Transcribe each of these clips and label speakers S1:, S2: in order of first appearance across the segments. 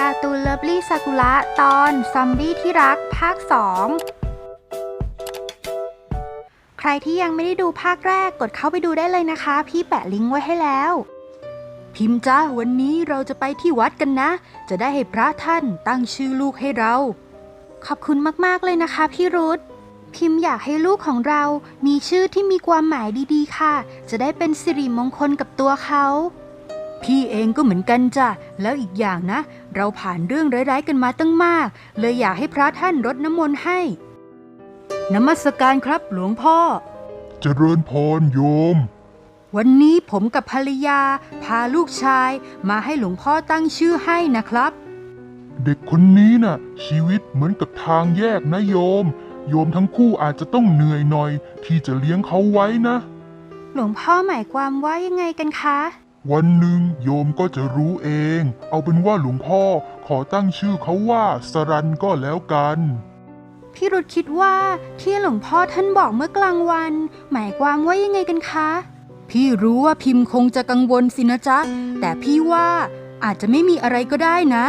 S1: การ์ตูนเลิฟลี่ซากุระตอนซอมบี้ที่รักภาค2ใครที่ยังไม่ได้ดูภาคแรกกดเข้าไปดูได้เลยนะคะพี่แปะลิงก์ไว้ให้แล้วพิมพ์จ้าวันนี้เราจะไปที่วัดกันนะจะได้ให้พระท่านตั้งชื่อลูกให้เราขอบคุณมากๆเลยนะคะพี่รุธพิมพ์อยากให้ลูกของเรามีชื่อที่มีความหมายดีๆค่ะจะได้เป็นสิริมงคลกับตัวเขาพี่เองก็เหมือนกันจ้ะแล้วอีกอย่างนะเราผ่านเรื่องร้ายๆกันมาตั้งมากเลยอยากให้พระท่านรดน้ำมนต์ให้นมัสการครับหลวงพ่อ
S2: เจริญพรโยม
S1: วันนี้ผมกับภรรยาพาลูกชายมาให้หลวงพ่อตั้งชื่อให้นะครับ
S2: เด็กคนนี้น่ะชีวิตเหมือนกับทางแยกนะโยมทั้งคู่อาจจะต้องเหนื่อยหน่อยที่จะเลี้ยงเขาไว้นะ
S1: หลวงพ่อหมายความว่ายังไงกันคะ
S2: วันหนึ่งโยมก็จะรู้เองเอาเป็นว่าหลวงพ่อขอตั้งชื่อเขาว่าสรันก็แล้วกัน
S1: พี่รุธคิดว่าที่หลวงพ่อท่านบอกเมื่อกลางวันหมายความว่ายังไงกันคะพี่รู้ว่าพิมพ์คงจะกังวลสินะจ๊ะแต่พี่ว่าอาจจะไม่มีอะไรก็ได้นะ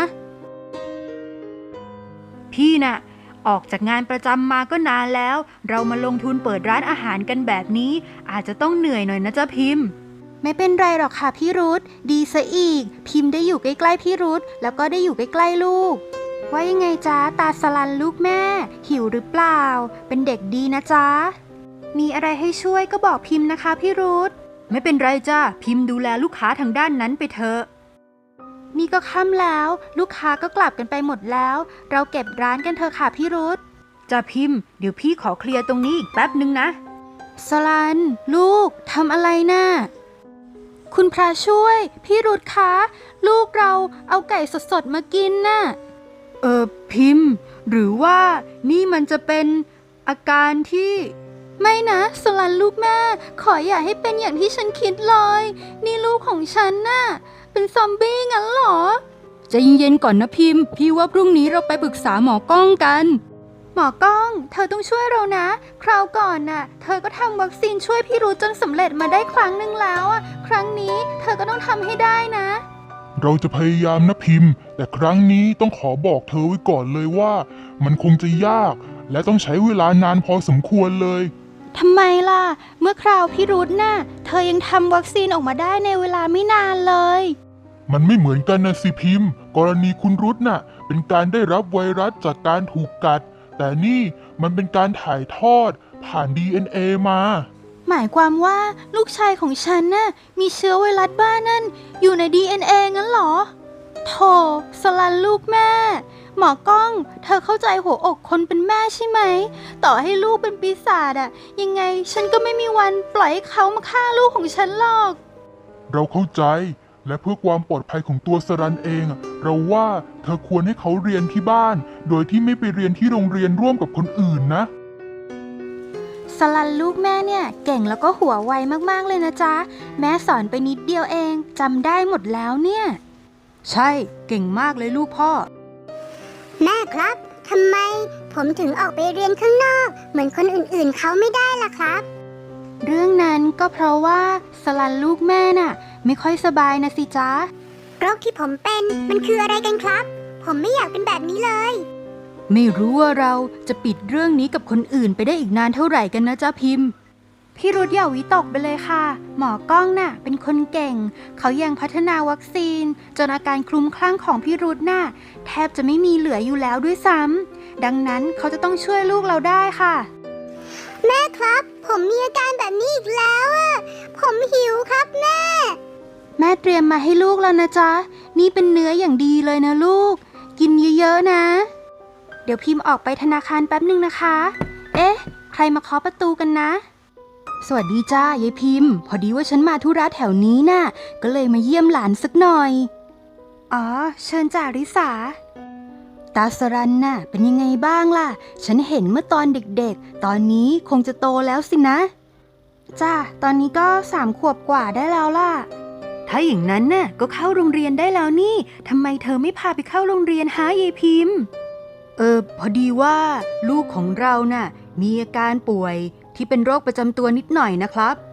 S1: พี่น่ะออกจากงานประจำมาก็นานแล้วเรามาลงทุนเปิดร้านอาหารกันแบบนี้อาจจะต้องเหนื่อยหน่อยนะจ๊ะพิมพ์ไม่เป็นไรหรอกค่ะพี่รุธดีซะอีกพิมพ์ได้อยู่ใกล้ๆพี่รุธแล้วก็ได้อยู่ใกล้ๆลูกว่ายังไงจ๊ะตาสลันลูกแม่หิวหรือเปล่าเป็นเด็กดีนะจ๊ะมีอะไรให้ช่วยก็บอกพิมพ์นะคะพี่รุธไม่เป็นไรจ้ะพิมพ์ดูแลลูกค้าทางด้านนั้นไปเถอะนี่ก็ค่ำแล้วลูกค้าก็กลับกันไปหมดแล้วเราเก็บร้านกันเถอะค่ะพี่รุธจ้ะพิมพ์เดี๋ยวพี่ขอเคลียร์ตรงนี้อีกแป๊บนึงนะสลันลูกทำอะไรน่ะคุณพระช่วยพี่รุธคะลูกเราเอาไก่สดๆมากินน่ะพิมพ์หรือว่านี่มันจะเป็นอาการที่ไม่นะสลันลูกแม่ขออย่าให้เป็นอย่างที่ฉันคิดเลยนี่ลูกของฉันน่ะเป็นซอมบี้งั้นเหรอใจเย็นๆก่อนนะพิมพ์พี่ว่าพรุ่งนี้เราไปปรึกษาหมอก้องกันหมอก้องเธอต้องช่วยเรานะคราวก่อนน่ะเธอก็ทำวัคซีนช่วยพี่รู้จนสำเร็จมาได้ครั้งหนึ่งแล้วอ่ะครั้งนี้เธอก็ต้องทำให้ได้นะ
S2: เราจะพยายามนะพิมพ์แต่ครั้งนี้ต้องขอบอกเธอไว้ก่อนเลยว่ามันคงจะยากและต้องใช้เวลานานพอสมควรเลย
S1: ทำไมล่ะเมื่อคราวพี่รุธน่ะเธอยังทำวัคซีนออกมาได้ในเวลาไม่นานเลย
S2: มันไม่เหมือนกันนะสิพิมพ์กรณีคุณรุธน่ะเป็นการได้รับไวรัสจากการถูกกัดแต่นี่มันเป็นการถ่ายทอดผ่าน DNA มา
S1: หมายความว่าลูกชายของฉันน่ะมีเชื้อไวรัสบ้านั่นอยู่ใน DNA งั้นเหรอโธ่สลันลูกแม่หมอก้องเธอเข้าใจหัวอกคนเป็นแม่ใช่ไหมต่อให้ลูกเป็นปีศาจอะยังไงฉันก็ไม่มีวันปล่อยให้เขามาฆ่าลูกของฉันหรอก
S2: เราเข้าใจและเพื่อความปลอดภัยของตัวสรันเองเราว่าเธอควรให้เขาเรียนที่บ้านโดยที่ไม่ไปเรียนที่โรงเรียนร่วมกับคนอื่นนะ
S1: สลันลูกแม่เนี่ยเก่งแล้วก็หัวไวมากๆเลยนะจ๊ะแม่สอนไปนิดเดียวเองจำได้หมดแล้วเนี่ยใช่เก่งมากเลยลูกพ่อ
S3: แม่ครับทำไมผมถึงออกไปเรียนข้างนอกเหมือนคนอื่นๆเขาไม่ได้ล่ะครับ
S1: เรื่องนั้นก็เพราะว่าสลันลูกแม่น่ะไม่ค่อยสบายนะสิจ๊ะ
S3: โรคที่ผมเป็นมันคืออะไรกันครับผมไม่อยากเป็นแบบนี้เลย
S1: ไม่รู้ว่าเราจะปิดเรื่องนี้กับคนอื่นไปได้อีกนานเท่าไหร่กันนะจ๊ะพิมพ์พี่รุธอย่าวิตกไปเลยค่ะหมอก้องน่ะเป็นคนเก่งเขายังพัฒนาวัคซีนจนอาการคลุ้มคลั่งของพี่รุธน่ะแทบจะไม่มีเหลืออยู่แล้วด้วยซ้ำดังนั้นเขาจะต้องช่วยลูกเราได้ค่ะ
S3: แม่ครับผมมีอาการแบบนี้อีกแล้วอ่ะผมหิวครับแม่
S1: เตรียมมาให้ลูกแล้วนะจ๊ะนี่เป็นเนื้ออย่างดีเลยนะลูกกินเยอะๆนะเดี๋ยวพิมพ์ออกไปธนาคารแป๊บนึงนะคะเอ๊ะใครมาเคาะประตูกันนะสวัสดีจ้ายายพิมพ์พอดีว่าฉันมาธุระแถวนี้น่ะก็เลยมาเยี่ยมหลานสักหน่อยอ๋อเชิญจ่าริสาตาสรันน่ะเป็นยังไงบ้างล่ะฉันเห็นเมื่อตอนเด็กๆตอนนี้คงจะโตแล้วสินะจ้าตอนนี้ก็3 ขวบกว่าได้แล้วล่ะถ้าอย่างนั้นน่ะก็เข้าโรงเรียนได้แล้วนี่ทำไมเธอไม่พาไปเข้าโรงเรียนหายายพิมพ์พอดีว่าลูกของเราน่ะมีอาการป่วยที่เป็นโรคประจำตัวนิดหน่อยนะครับ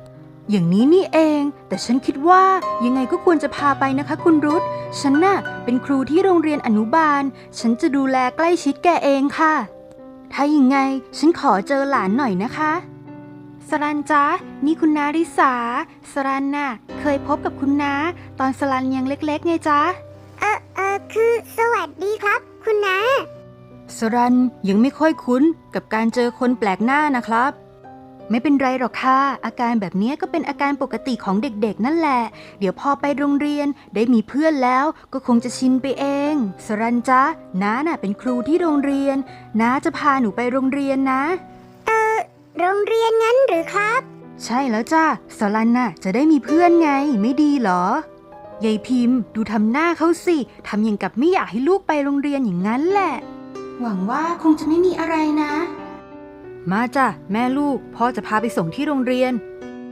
S1: อย่างนี้นี่เอง แต่ฉันคิดว่ายังไงก็ควรจะพาไปนะคะคุณรุธฉันน่ะเป็นครูที่โรงเรียนอนุบาล ฉันจะดูแลใกล้ชิดแกเองค่ะ ถ้าอย่างไงฉันขอเจอหลานหน่อยนะคะสรันจ๊ะนี่คุณนาริสาสรันน่ะเคยพบกับคุณน้าตอนสรันยังเล็กๆไงจ๊ะ
S3: คือสวัสดีครับ คุณน้า
S1: สรันยังไม่ค่อยคุ้นกับการเจอคนแปลกหน้านะครับ ไม่เป็นไรหรอกค่ะอาการแบบนี้ก็เป็นอาการปกติของเด็กๆนั่นแหละ เดี๋ยวพอไปโรงเรียนได้มีเพื่อนแล้วก็คงจะชินไปเองสรันจ๊ะน้าน่ะเป็นครูที่โรงเรียนน้าจะพาหนูไปโรงเรียนนะ
S3: โรงเรียนงั้นหรือครับ
S1: ใช่แล้วจ้ะสรันน่ะจะได้มีเพื่อนไงไม่ดีเหรอยายพิมพ์ดูทำหน้าเขาสิทำอย่างกับไม่อยากให้ลูกไปโรงเรียนอย่างนั้นแหละ หวังว่าคงจะไม่มีอะไรนะ มาจ้ะแม่ลูกพ่อจะพาไปส่งที่โรงเรียน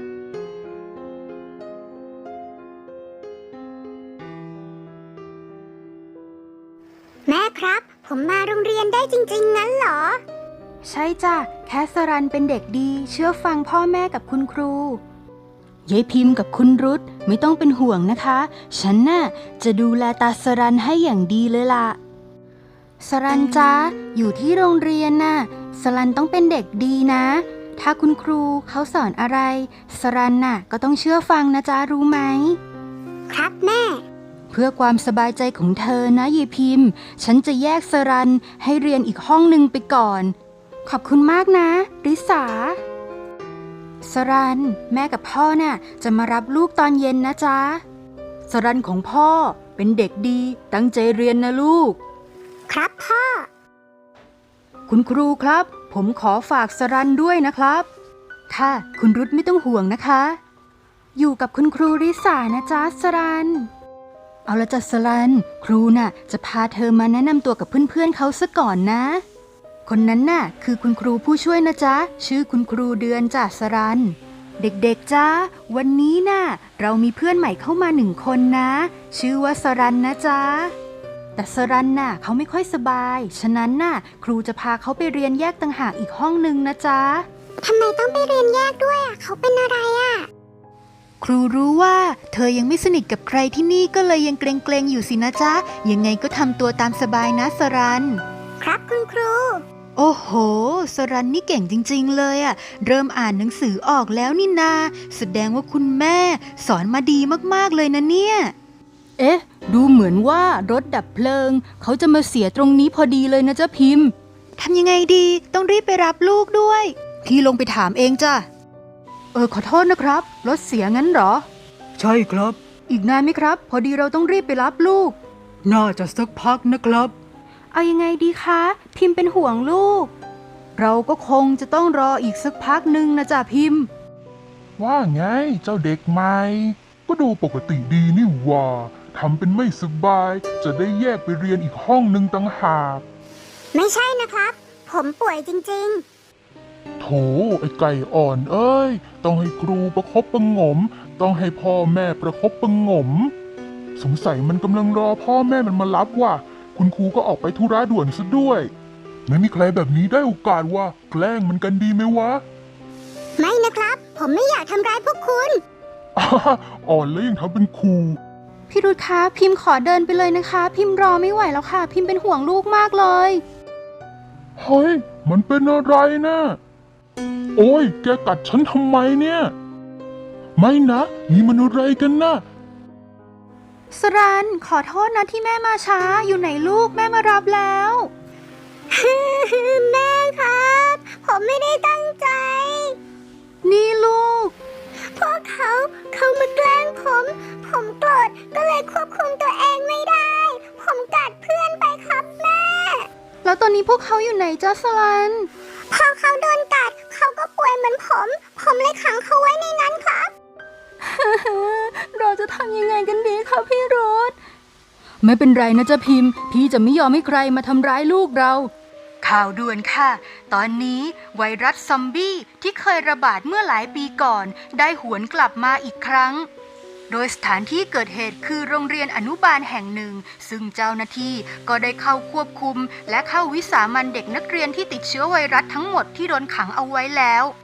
S3: แม่ครับ ผมมาโรงเรียนได้จริงๆงั้นเหรอ
S1: ใช่จ้ะแค่สรันเป็นเด็กดีเชื่อฟังพ่อแม่กับคุณครูยายพิมพ์กับคุณรุธไม่ต้องเป็นห่วงนะคะฉันน่ะจะดูแลตาสรันให้อย่างดีเลยล่ะสรันจ๊ะอยู่ที่โรงเรียนน่ะสรันต้องเป็นเด็กดีนะ ถ้าคุณครูเขาสอนอะไรสรันน่ะก็ต้องเชื่อฟังนะจ๊ะรู้ไหม
S3: ครับแม่
S1: เพื่อความสบายใจของเธอนะยายพิมพ์ฉันจะแยกสรันให้เรียนอีกห้องหนึ่งไปก่อนขอบคุณมากนะริสาสรันแม่กับพ่อน่ะจะมารับลูกตอนเย็นนะจ๊ะสรันของพ่อเป็นเด็กดีตั้งใจเรียนนะลูก
S3: ครับพ่อ
S1: คุณครูครับผมขอฝากสรันด้วยนะครับค่ะคุณรุธไม่ต้องห่วงนะคะอยู่กับคุณครูริสานะจ๊ะสรันเอาละจ้ะสรันครูน่ะจะพาเธอมาแนะนำตัวกับเพื่อนๆเขาซะก่อนนะคนนั้นน่ะคือคุณครูผู้ช่วยนะจ๊ะชื่อคุณครูเดือนจ้ะสรันเด็กๆจ้าวันนี้น่ะเรามีเพื่อนใหม่เข้ามา1 คนนะชื่อว่าสรันนะจ๊ะแต่สรันน่ะเขาไม่ค่อยสบายฉะนั้นน่ะครูจะพาเขาไปเรียนแยกต่างหากอีกห้องนึงนะจ๊ะ
S3: ทำไมต้องไปเรียนแยกด้วยอ่ะ เขาเป็นอะไรอ่ะ
S1: ครูรู้ว่าเธอยังไม่สนิทกับใครที่นี่ก็เลยยังเกรงๆอยู่สินะจ๊ะยังไงก็ทำตัวตามสบายนะสรัน
S3: ครับคุณครู
S1: โอ้โหสรันนี่เก่งจริงๆเลยอะเริ่มอ่านหนังสือออกแล้วนี่นาแสดงว่าคุณแม่สอนมาดีมากๆเลยนะเนี่ยเอ๊ะดูเหมือนว่ารถดับเพลิงเขาจะมาเสียตรงนี้พอดีเลยนะจ๊ะพิมพ์ทำยังไงดีต้องรีบไปรับลูกด้วยพี่ลงไปถามเองจ้ะขอโทษนะครับรถเสียงั้นเหรอใช่ครับอีกนานไหมครับพอดีเราต้องรีบไปรับลูกน่าจะสักพักนะครับเอายังไงดีคะพิมพ์เป็นห่วงลูกเราก็คงจะต้องรออีกสักพักหนึ่งนะจ๊ะพิมพ์
S2: ว่าไงเจ้าเด็กใหม่ก็ดูปกติดีนี่หว่าทำเป็นไม่สบายจะได้แยกไปเรียนอีกห้องหนึ่งต่างหาก
S3: ไม่ใช่นะครับ ผมป่วยจริง
S2: โถไอ้ไก่อ่อนเอ้ยต้องให้ครูประคบประหงมต้องให้พ่อแม่ประคบประหงมสงสัยมันกำลังรอพ่อแม่มันมารับว่ะคุณครูก็ออกไปธุระด่วนซะด้วยไม่มีใครแบบนี้ได้โอกาสว่าแกล้งมันกันดีไหมวะ
S3: ๆ ไม่นะครับ ผมไม่อยากทำร้ายพวกคุณ
S2: อ่อนแล้วยังทำเป็นครู
S1: พี่รุธคะพิมพ์ขอเดินไปเลยนะคะ พิมพ์รอไม่ไหวแล้วค่ะ พิมพ์เป็นห่วงลูกมากเลย
S2: เฮ้ยมันเป็นอะไรนะโอ้ยแกกัดฉันทำไมเนี่ยไม่นะนี่มันอะไรกันนะ
S1: สรันขอโทษนะที่แม่มาช้าอยู่ไหนลูกแม่มารับแล้ว
S3: แม่ครับ ผมไม่ได้ตั้งใจ
S1: นี่ลูก
S3: พวกเขามาแกล้งผมโกรธก็เลยควบคุมตัวเองไม่ได้ ผมกัดเพื่อนไปครับแม่
S1: แล้วตอนนี้พวกเขาอยู่ไหนจ้าสรัน
S3: พอเขาโดนกัดเขาก็ป่วยเหมือนผมเลยขังเขาไว้ในนั้นครับ
S1: เราจะทำยังไงกันดีคะพี่รถไม่เป็นไรนะจ๊ะพิมพ์พี่จะไม่ยอมให้ใครมาทำร้ายลูกเราข่าวด่วนค่ะ ตอนนี้ไวรัสซอมบี้ที่เคยระบาดเมื่อหลายปีก่อนได้หวนกลับมาอีกครั้งโดยสถานที่เกิดเหตุคือโรงเรียนอนุบาลแห่งหนึ่งซึ่งเจ้าหน้าที่ก็ได้เข้าควบคุมและเข้าวิสามันเด็กนักเรียนที่ติดเชื้อไวรัสทั้งหมดที่โดนขังเอาไว้แล้ว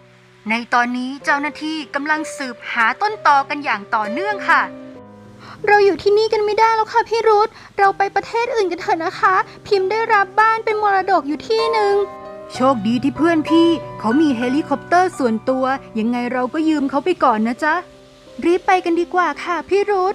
S1: ในตอนนี้เจ้าหน้าที่กำลังสืบหาต้นตอกันอย่างต่อเนื่องค่ะเราอยู่ที่นี่กันไม่ได้แล้วค่ะพี่รุธเราไปประเทศอื่นกันเถอะนะคะพิมพ์ได้รับบ้านเป็นมรดกอยู่ที่หนึ่งโชคดีที่เพื่อนพี่เขามีเฮลิคอปเตอร์ส่วนตัวยังไงเราก็ยืมเขาไปก่อนนะจ๊ะรีบไปกันดีกว่าค่ะพี่รุธ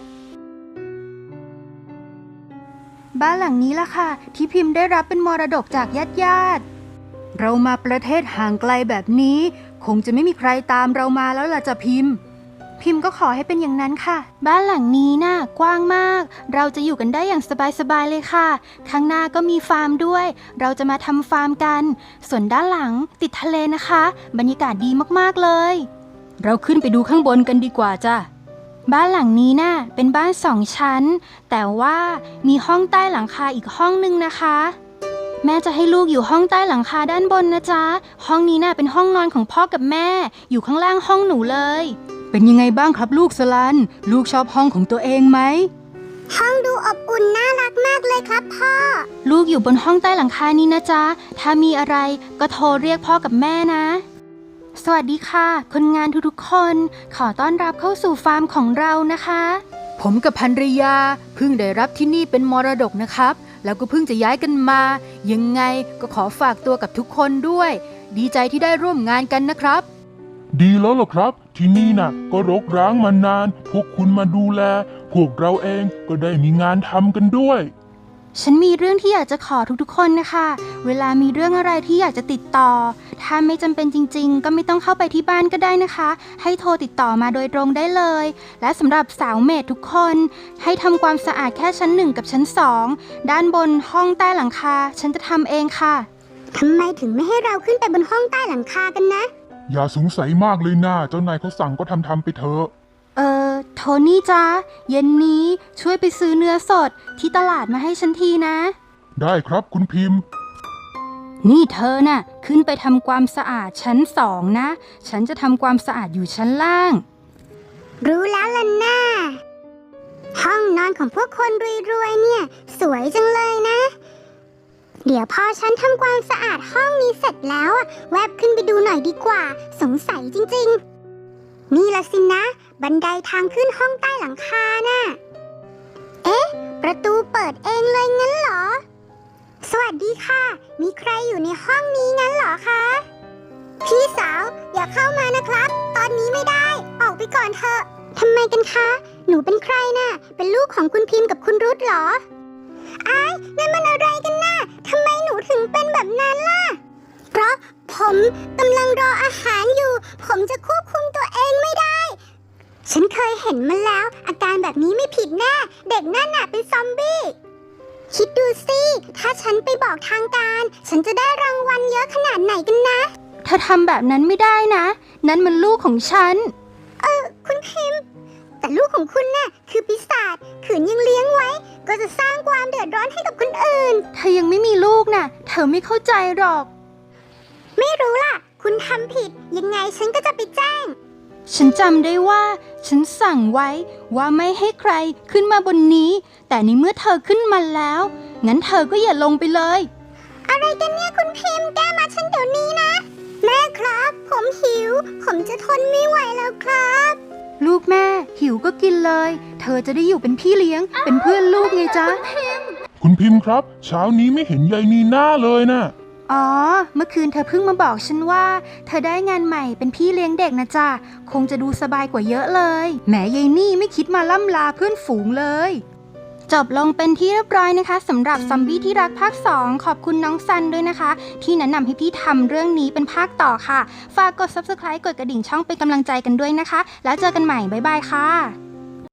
S1: บ้านหลังนี้ล่ะค่ะที่พิมพ์ได้รับเป็นมรดกจากญาติเรามาประเทศห่างไกลแบบนี้คงจะไม่มีใครตามเรามาแล้วล่ะจ้ะพิมพ์ก็ขอให้เป็นอย่างนั้นค่ะบ้านหลังนี้น่ะกว้างมากเราจะอยู่กันได้อย่างสบายๆเลยค่ะข้างหน้าก็มีฟาร์มด้วยเราจะมาทำฟาร์มกันส่วนด้านหลังติดทะเลนะคะบรรยากาศดีมากๆเลยเราขึ้นไปดูข้างบนกันดีกว่าจ้ะบ้านหลังนี้น่ะเป็นบ้าน2 ชั้นแต่ว่ามีห้องใต้หลังคาอีกห้องนึงนะคะแม่จะให้ลูกอยู่ห้องใต้หลังคาด้านบนนะจ๊ะห้องนี้น่ะเป็นห้องนอนของพ่อกับแม่อยู่ข้างล่างห้องหนูเลยเป็นยังไงบ้างครับลูกสลันลูกชอบห้องของตัวเองไหม
S3: ห้องดูอบอุ่นน่ารักมากเลยครับพ่อ
S1: ลูกอยู่บนห้องใต้หลังคานี้นะจ๊ะถ้ามีอะไรก็โทรเรียกพ่อกับแม่นะสวัสดีค่ะคนงานทุกๆคนขอต้อนรับเข้าสู่ฟาร์มของเรานะคะผมกับภรรยาเพิ่งได้รับที่นี่เป็นมรดกนะครับแล้วก็เพิ่งจะย้ายกันมายังไงก็ขอฝากตัวกับทุกคนด้วยดีใจที่ได้ร่วมงานกันนะครับ
S2: ดีแล้วล่ะครับที่นี่น่ะก็รกร้างมานานพวกคุณมาดูแลพวกเราเองก็ได้มีงานทำกันด้วย
S1: ฉันมีเรื่องที่อยากจะขอทุกๆคนนะคะเวลามีเรื่องอะไรที่อยากจะติดต่อถ้าไม่จำเป็นจริงๆก็ไม่ต้องเข้าไปที่บ้านก็ได้นะคะให้โทรติดต่อมาโดยตรงได้เลยและสำหรับสาวเมดทุกคนให้ทำความสะอาดแค่ชั้น1กับชั้น2ด้านบนห้องใต้หลังคาฉันจะทำเองค่ะ
S3: ทำไมถึงไม่ให้เราขึ้นไปบนห้องใต้หลังคากันนะ
S2: อย่าสงสัยมากเลยนะเจ้านายเขาสั่งก็ทำไปเถอะ
S1: โทนี่จ๊ะเย็นนี้ช่วยไปซื้อเนื้อสดที่ตลาดมาให้ฉันทีนะ
S2: ได้ครับคุณพิมพ์
S1: นี่เธอน่ะขึ้นไปทำความสะอาดชั้น2นะฉันจะทำความสะอาดอยู่ชั้นล่าง
S3: รู้แล้วล่ะน่าห้องนอนของพวกคนรวยๆเนี่ยสวยจังเลยนะเดี๋ยวพอฉันทำความสะอาดห้องนี้เสร็จแล้วแวบขึ้นไปดูหน่อยดีกว่าสงสัยจริงๆนี่ละสินะบันไดทางขึ้นห้องใต้หลังคาน่ะเอ๊ะประตูเปิดเองเลยงั้นเหรอสวัสดีค่ะมีใครอยู่ในห้องนี้งั้นเหรอคะพี่สาวอย่าเข้ามานะครับตอนนี้ไม่ได้ออกไปก่อนเถอะทำไมกันคะหนูเป็นใครน่ะเป็นลูกของคุณพิมพ์กับคุณรุธเหรออ้ายนั่นมันอะไรกันน่ะทำไมหนูถึงเป็นแบบนั้นล่ะเพราะผมกำลังรออาหารอยู่ผมจะควบคุมตัวเองไม่ได้ฉันเคยเห็นมันแล้วอาการแบบนี้ไม่ผิดแน่เด็กนั่นน่ะเป็นซอมบี้คิดดูสิถ้าฉันไปบอกทางการฉันจะได้รางวัลเยอะขนาดไหนกันนะ
S1: เธอทำแบบนั้นไม่ได้นะนั่นมันลูกของฉัน
S3: คุณพิมพ์แต่ลูกของคุณน่ะคือปีศาจขืนยังเลี้ยงไว้ก็จะสร้างความเดือดร้อนให้กับคนอื่น
S1: เธอยังไม่มีลูกน่ะเธอไม่เข้าใจหรอก
S3: ไม่รู้ล่ะคุณทำผิดยังไงฉันก็จะไปแจ้ง
S1: ฉันจำได้ว่าฉันสั่งไว้ว่าไม่ให้ใครขึ้นมาบนนี้แต่ในเมื่อเธอขึ้นมาแล้วงั้นเธอก็อย่าลงไปเลย
S3: อะไรกันเนี่ยคุณพิมพ์แก้มาฉันเดี๋ยวนี้นะแม่ครับผมหิวผมจะทนไม่ไหวแล้วครับ
S1: ลูกแม่หิวก็กินเลยเธอจะได้อยู่เป็นพี่เลี้ยงเป็นเพื่อนลูกไงจ๊ะ
S2: คุณพิมพ์ครับเช้านี้ไม่เห็นยายนีน่าเลยนะ
S1: อ๋อเมื่อคืนเธอเพิ่งมาบอกฉันว่าเธอได้งานใหม่เป็นพี่เลี้ยงเด็กนะจ๊ะคงจะดูสบายกว่าเยอะเลยแหมยายนี่ไม่คิดมาล่ำลาเพื่อนฝูงเลยจบลงเป็นที่เรียบร้อยนะคะสำหรับซอมบี้ที่รักภาค2ขอบคุณน้องซันด้วยนะคะที่แนะนำให้พี่ทำเรื่องนี้เป็นภาคต่อค่ะฝากกด Subscribe กดกระดิ่งช่องเป็นกำลังใจกันด้วยนะคะแล้วเจอกันใหม่บ๊ายบายค่ะ